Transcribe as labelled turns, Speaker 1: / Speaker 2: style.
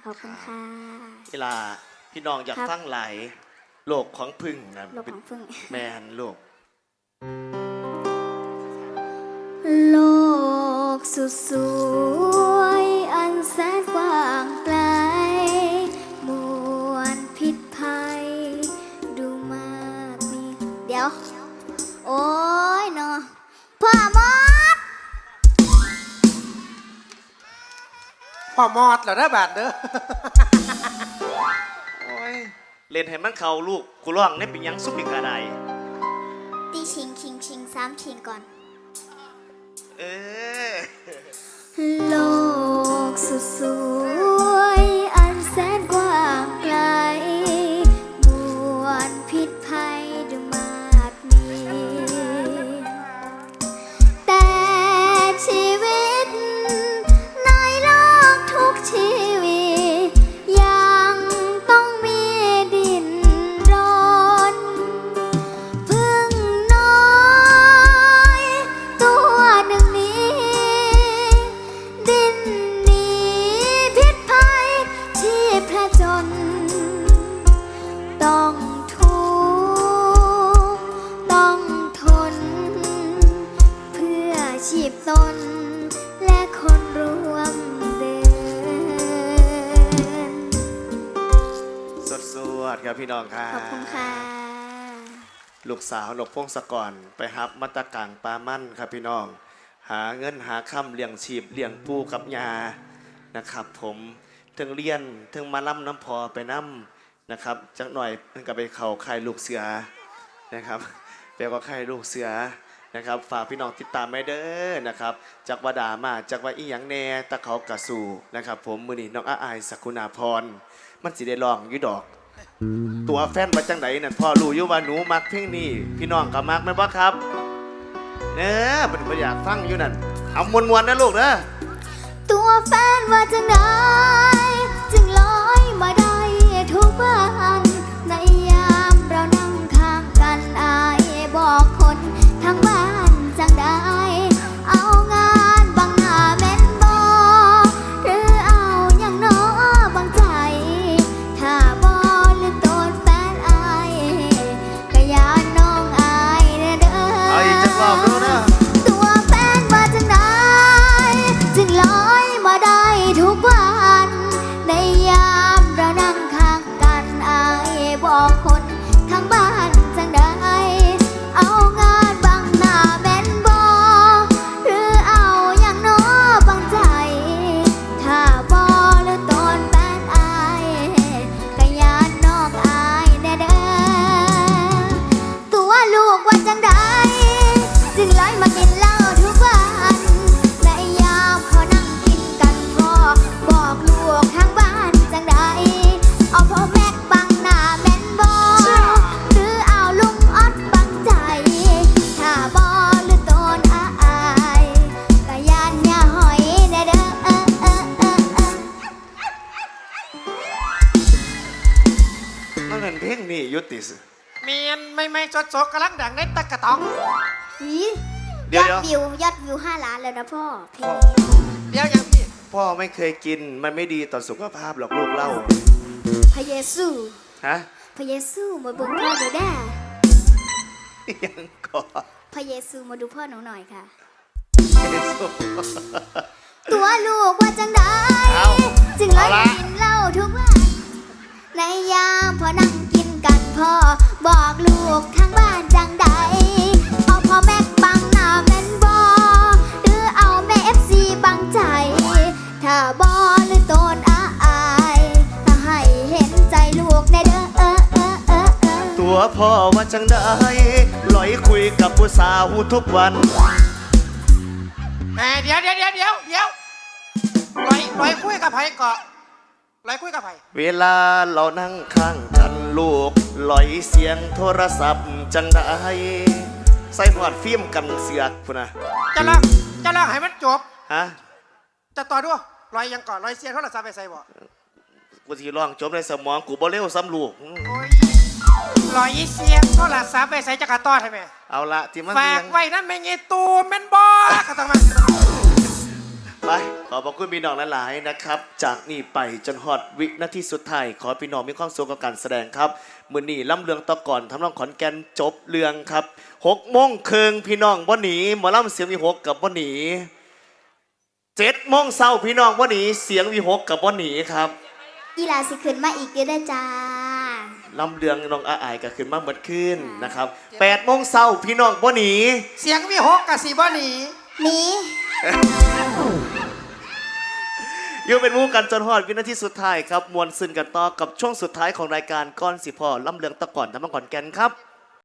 Speaker 1: อบคุณค่ะ
Speaker 2: เวลาพี่น้องอยากฟังหลายโลกของพึ่งนะ
Speaker 1: โลกของพึ่ง
Speaker 2: แมนโลก
Speaker 1: โลกสุดสวยอันแสนกว้างไกลมวลพิษภัยดูมากมีเดี๋ยวโอ้ยเนาะพ่อมด
Speaker 3: พ่อมอดเหรอเด้อบาดเด้อ
Speaker 2: โอ้ยเล่นให้มันเขาลูกกูร้องเนี่ยเป็นยังซุปอีกอะไร
Speaker 1: ตีชิง3ชิงก่อน
Speaker 2: เออ
Speaker 1: โลกสุดสวยอันแสนกว้างไกลมวลพิษภัยดูมากมีแต่ชีวิตในโลกทุกชีวิตยังต้องมีดินรนพึ่งน้อยตัวหนึ่งนี้ดินหนีพิษภัยชีพผจญต้องทุกข์ต้องทนเพื่อชีพตนและคนร่วมเดิน
Speaker 2: สวดครับพี่น้องค่ะ
Speaker 1: ขอบคุณค่ะ
Speaker 2: ลูกสาวนกพงศกรไปฮับมัตตะกังปลามั่นครับพี่น้องหาเงินหาค่ำเลี้ยงชีพเลี้ยงปูกับยานะครับผมถึงเรียนถึงมาล่ำน้ำพอไปน้ำนะครับจักหน่อยมันก็ไปเข่าค่ายลูกเสือนะครับไปก็ค่ายลูกเสือนะครับฝากพี่น้องติดตามไม่เด้อนะครับจากวดามาจากว่าอีหยังแน่ตะเขากระสู่นะครับผมมือนี้น้องอายสกุณาพรมันสิได้ลองอยู่ดอกตัวแฟนมาจังไหนนั่นพ่อรู้อยู่ว่าหนูมักเพลงนี้พี่น้องก็มักไหมบ่ครับเนี่ยเป็นอยากฟังอยู่นั่นเอามวนๆนะลูกนะ
Speaker 1: ตัวแฟนว่าจังไดจึงลอยมาได้ทุกวันในยามเรานั่งข้างกันอายบอกคนทั้งบ้านจังได้เอางานบังหน้าแม่นบ่หรือเอาอย่างน้อบางใจถ้าบ่หรือโดนแฟนอายก็อย่าน้องอายเด้อ
Speaker 2: เอาอีกจังรอบดูนะ
Speaker 1: ตัวแฟนว่าจังไดจึงลอยมาได้ทุกวันในยามเรานั่งข้างกันอายบอกคนทั้งบ้านจังได้เอางานบังหน้าแม่นบ่หรือเอาอย่างน้อบางใจถ้าบ่หรือตอนแฟนอายก็ยานน้องอายแน่เด้อตัวลูกว่าจังได้จึงลอยมากินเหล้าทุกวันในยามพอนั่งกินกันก็บอกลูกทางบ้านจังได้เอาพ่อแม่บังหน้าแม่นบ่หรือเอาลุงออดบังใจถ้าบ่หรือโดนอายก็ยานอย่าหอยแน่เด้อ
Speaker 2: มันเป็นเพลงนี้ยุติส
Speaker 3: เมียนไม่สดๆกำลังดังในตะกะตอง
Speaker 2: เดี๋ยวย
Speaker 1: อดวิว5 ล้านแล้วนะพ่อเพลง
Speaker 3: เดี๋ยวยังพี่
Speaker 2: พ่อไม่เคยกินมันไม่ดีต่อสุขภาพหรอกลูกเล่า
Speaker 1: พระเยซู
Speaker 2: ฮะ
Speaker 1: พระเยซูมาดูพ่อหนูได้
Speaker 2: ยังก่อน
Speaker 1: พระเยซูมาดูพ่อหนูหน่อยค่ะ
Speaker 2: เยซู
Speaker 1: ตัวลูกว่าจังได้จึงลอยกินเหล้าทุกวันในยามพอนั่งกินกันพ่อบอกลูกทางบ้านจังได้เอาพ่อแม่บังหน้าแม่นบ่หรือเอาแม่FCบังใจถ้าบ่หรือโดนอายถ้าให้เห็นใจลูกในเด้อ
Speaker 2: ตัวพ่อว่าจังได้ลอยคุยกับผู้สาวทุกวัน
Speaker 3: เดี๋ยวลอยคุยกับไผเกาะลอยคุยกับไผ
Speaker 2: เวลาเรานั่งข้างกันลูกลอยเสียงโทรศัพท์จังได้ใส่หอดฟิล์มกันเสือกพุ่นนะ
Speaker 3: จะลองให้มันจบ
Speaker 2: ฮะ
Speaker 3: จะต่อด้วยลอยยังก่อนลอยเสียงโทรศัพท์ไปใส่บ่
Speaker 2: กูสิร้องจบในสมองกูบ่เร็วซ้ำลูก
Speaker 3: ลอยเสียงโทรศัพท์ไปใส่จักรต้อใช่ไหม
Speaker 2: เอาละที่มัน
Speaker 3: ฝากไว้นั่นไม่งี้ตูแม่นบ่ก็ต้องมา
Speaker 2: ฝไปขอบพระคุณพี่น้องหลายๆนะครับ จากนี่ไปจนฮอดวินาทีสุดท้ายขอพี่น้องมีความสุขกับการแสดงครับมื้อนี้ล่ำเรืองต่อก่อนทำนองขอนแก่นจบเรื่องครับ6:30พี่น้องบ่หนีหมอลำเสียงวิหกกับบ่หนี7:00 นพี่น้องบ่หนีเสียงวิหกกับบ่หนีครับ
Speaker 1: อีหลาสิขึ้นมาอีกเยอะได้อจ้า
Speaker 2: ลำเรืองน้องอาอายก็ขึ้นมาเหมือนขึ้นนะครับ8:00 นพี่น้องบ่หนี
Speaker 3: เสียงวิหกกับสีบ่หนี
Speaker 1: นี้
Speaker 2: อยู่เป็นหมู่กันจนฮอดวินาทีสุดท้ายครับมวลซึนกันต่อกับช่วงสุดท้ายของรายการก้อนสิพ่อลำเลืองตะก่อนทำมังก่อนแกนครับ